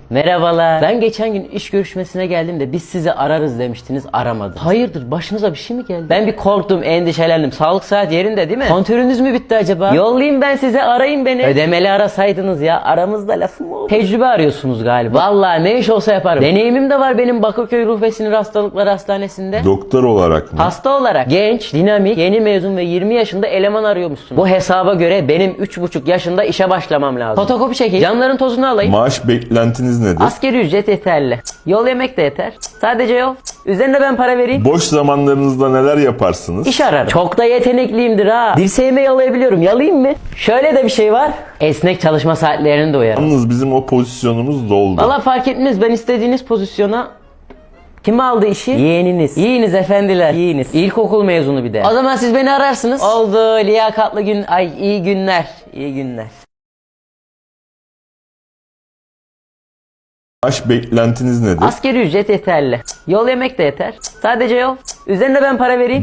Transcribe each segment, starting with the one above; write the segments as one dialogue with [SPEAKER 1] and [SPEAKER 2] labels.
[SPEAKER 1] Merhabalar. Ben geçen gün iş görüşmesine geldim de biz sizi ararız demiştiniz, aramadınız. Hayırdır, başınıza bir şey mi geldi? Ben bir korktum, endişelendim. Sağlık saat yerinde değil mi? Kontörünüz mü bitti acaba? Yollayayım ben size, arayın beni. Ödemeli arasaydınız ya, aramızda lafım oldu. Tecrübe arıyorsunuz galiba. Vallahi ne iş olsa yaparım. Deneyimim de var benim Bakırköy Ruh ve Sinir Hastalıkları Hastanesi'nde.
[SPEAKER 2] Doktor olarak mı?
[SPEAKER 1] Hasta olarak. Genç, dinamik, yeni mezun ve 20 yaşında eleman arıyormuşsun. Bu hesaba göre benim 3,5 yaşında işe başlamam lazım. Fotokopi çekeyim, camların tozunu alayım.
[SPEAKER 2] Maaş beklentiniz nedir?
[SPEAKER 1] Asgari ücret yeterli. Yol yemek de yeter. Sadece yol. Üzerine ben para vereyim.
[SPEAKER 2] Boş zamanlarınızda neler yaparsınız?
[SPEAKER 1] İş ararım. Çok da yetenekliyimdir ha. Dirseğime yalayabiliyorum. Yalayayım mı? Şöyle de bir şey var. Esnek çalışma saatlerini de uyarım.
[SPEAKER 2] Yalnız bizim o pozisyonumuz doldu.
[SPEAKER 1] Valla fark etmez. Ben istediğiniz pozisyona... Kim aldı işi? Yeğeniniz. Yiğiniz efendiler. Yiğiniz. İlkokul mezunu bir de. O zaman siz beni ararsınız. Oldu. Liyakatlı gün. Ay iyi günler. İyi günler.
[SPEAKER 2] Maaş beklentiniz nedir?
[SPEAKER 1] Asgari ücret yeterli. Yol yemek de yeter. Sadece yol. Üzerine ben para vereyim.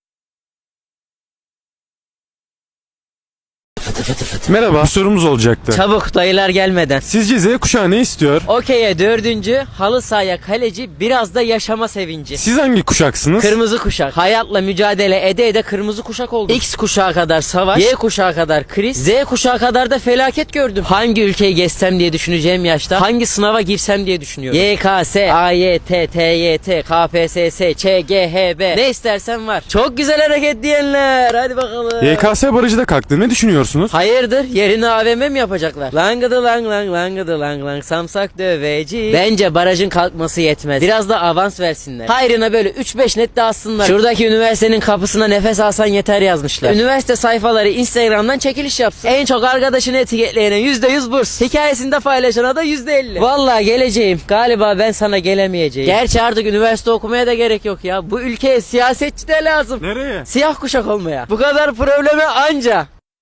[SPEAKER 3] Merhaba, sorumuz olacaktı.
[SPEAKER 1] Çabuk, dayılar gelmeden.
[SPEAKER 3] Sizce Z kuşağı ne istiyor?
[SPEAKER 1] Okey'e 4. halı sahaya kaleci, biraz da yaşama sevinci.
[SPEAKER 3] Siz hangi kuşaksınız?
[SPEAKER 1] Kırmızı kuşak. Hayatla mücadele ede ede kırmızı kuşak oldum. X kuşağı kadar savaş, Y kuşağı kadar kriz, Z kuşağı kadar da felaket gördüm. Hangi ülkeyi gezsem diye düşüneceğim yaşta, hangi sınava girsem diye düşünüyorum. YKS, AYT, TYT, KPSS, ÇGHB, ne istersen var. Çok güzel hareket diyenler. Hadi bakalım.
[SPEAKER 3] YKS barajı da kalktı. Ne düşünüyorsunuz?
[SPEAKER 1] Hayırdır? Yerini AVM mi yapacaklar? Langıdı lang lang, langıdı lang lang, samsak döveci. Bence barajın kalkması yetmez. Biraz da avans versinler. Hayrına böyle 3-5 net dağıtsınlar. Şuradaki üniversitenin kapısına nefes alsan yeter yazmışlar. Üniversite sayfaları Instagram'dan çekiliş yapsın. En çok arkadaşını etiketleyene %100 burs. Hikayesinde paylaşana da %50. Vallahi geleceğim. Galiba ben sana gelemeyeceğim. Gerçi artık üniversite okumaya da gerek yok ya. Bu ülkeye siyasetçi de lazım.
[SPEAKER 3] Nereye?
[SPEAKER 1] Siyah kuşak olmaya. Bu kadar probleme anca.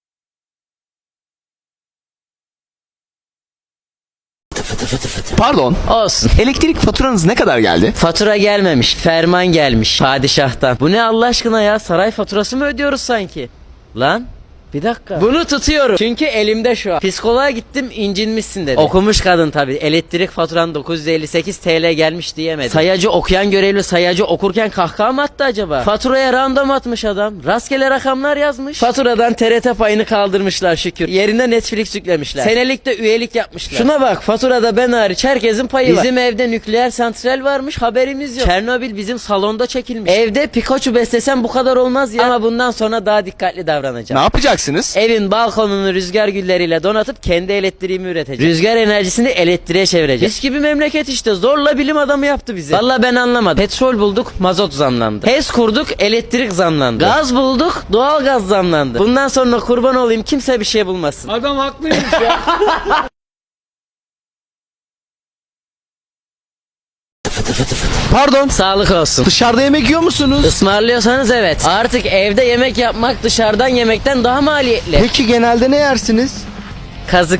[SPEAKER 4] Pardon,
[SPEAKER 1] Olsun.
[SPEAKER 4] elektrik faturanız ne kadar geldi?
[SPEAKER 1] Fatura gelmemiş, ferman gelmiş padişahtan. Bu ne Allah aşkına ya? Saray faturası mı ödüyoruz sanki? Lan bir dakika. Bunu tutuyorum. Çünkü elimde şu an. Psikoloğa gittim, incinmişsin dedi. Okumuş kadın tabi. Elektrik faturan 958 TL gelmiş diyemedi. Sayacı okuyan görevli sayacı okurken kahkaha mı attı acaba? Faturaya random atmış adam. Rastgele rakamlar yazmış. Faturadan TRT payını kaldırmışlar şükür. Yerine Netflix yüklemişler. Senelik de üyelik yapmışlar. Şuna bak, faturada ben hariç herkesin payı var. Bizim evde nükleer santral varmış, haberimiz yok. Çernobil bizim salonda çekilmiş. Evde Pikachu beslesem bu kadar olmaz ya. Ama bundan sonra daha dikkatli davranacağım.
[SPEAKER 4] Ne yapacaksınız?
[SPEAKER 1] Evin balkonunu rüzgar gülleriyle donatıp kendi elektriğimi üreteceğim. Rüzgar enerjisini elektriğe çevireceğim. Biz gibi memleket işte, zorla bilim adamı yaptı bizi. Valla ben anlamadım. Petrol bulduk, mazot zamlandı. HES kurduk, elektrik zamlandı. Gaz bulduk, doğal gaz zamlandı. Bundan sonra kurban olayım kimse bir şey bulmasın.
[SPEAKER 5] Adam haklıymış ya.
[SPEAKER 4] Pardon,
[SPEAKER 1] Sağlık olsun.
[SPEAKER 4] dışarıda yemek yiyor musunuz?
[SPEAKER 1] Ismarlıyorsanız evet. Artık evde yemek yapmak dışarıdan yemekten daha maliyetli.
[SPEAKER 4] Peki genelde ne yersiniz?
[SPEAKER 1] Kazık.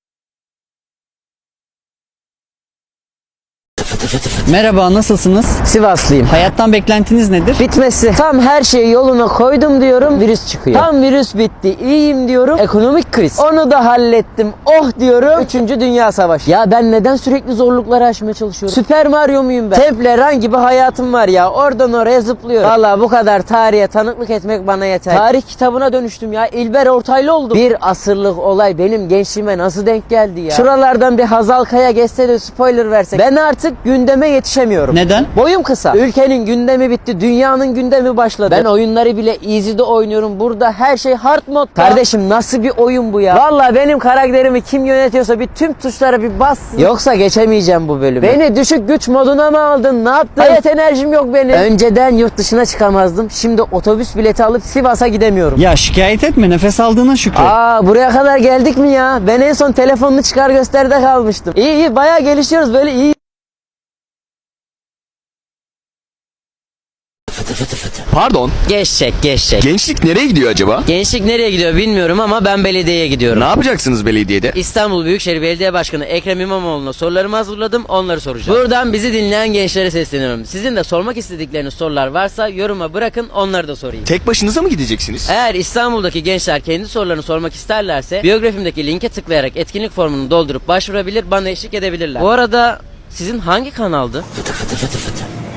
[SPEAKER 6] Merhaba, nasılsınız?
[SPEAKER 1] Sivaslıyım.
[SPEAKER 6] Hayattan beklentiniz nedir?
[SPEAKER 1] Bitmesi. Tam her şeyi yoluna koydum diyorum, virüs çıkıyor. Tam virüs bitti, iyiyim diyorum, ekonomik kriz. Onu da hallettim, oh diyorum, 3. Dünya Savaşı. Ya ben neden sürekli zorlukları aşmaya çalışıyorum? Süper Mario muyum ben? Temple Run gibi hayatım var ya, oradan oraya zıplıyorum. Valla bu kadar tarihe tanıklık etmek bana yeter. Tarih kitabına dönüştüm ya, İlber Ortaylı oldum. Bir asırlık olay benim gençliğime nasıl denk geldi ya? Şuralardan bir Hazal Kaya geçse de spoiler versek. Ben artık gündeme yetişemiyorum.
[SPEAKER 6] Neden?
[SPEAKER 1] Boyum kısa. Ülkenin gündemi bitti. Dünyanın gündemi başladı. Ben oyunları bile easy'de oynuyorum. Burada her şey hard modda. Kardeşim nasıl bir oyun bu ya? Vallahi benim karakterimi kim yönetiyorsa bir tüm tuşlara bir bassın. Yoksa geçemeyeceğim bu bölümü. Beni düşük güç moduna mı aldın? Ne yaptın? Hayat enerjim yok benim. Önceden yurt dışına çıkamazdım. Şimdi otobüs bileti alıp Sivas'a gidemiyorum.
[SPEAKER 6] Ya şikayet etme, nefes aldığına şükür.
[SPEAKER 1] Buraya kadar geldik mi ya? Ben en son telefonunu çıkar gösteride kalmıştım. İyi bayağı gelişiyoruz böyle iyi.
[SPEAKER 4] Pardon.
[SPEAKER 1] Geçecek.
[SPEAKER 4] Gençlik nereye gidiyor acaba?
[SPEAKER 1] Gençlik nereye gidiyor bilmiyorum ama ben belediyeye gidiyorum.
[SPEAKER 4] Ne yapacaksınız belediyede?
[SPEAKER 1] İstanbul Büyükşehir Belediye Başkanı Ekrem İmamoğlu'na sorularımı hazırladım, onları soracağım. Buradan bizi dinleyen gençlere sesleniyorum. Sizin de sormak istedikleriniz sorular varsa yoruma bırakın, onları da sorayım.
[SPEAKER 4] Tek başınıza mı gideceksiniz?
[SPEAKER 1] Eğer İstanbul'daki gençler kendi sorularını sormak isterlerse biyografimdeki linke tıklayarak etkinlik formunu doldurup başvurabilir, bana eşlik edebilirler. Bu arada sizin hangi kanaldı?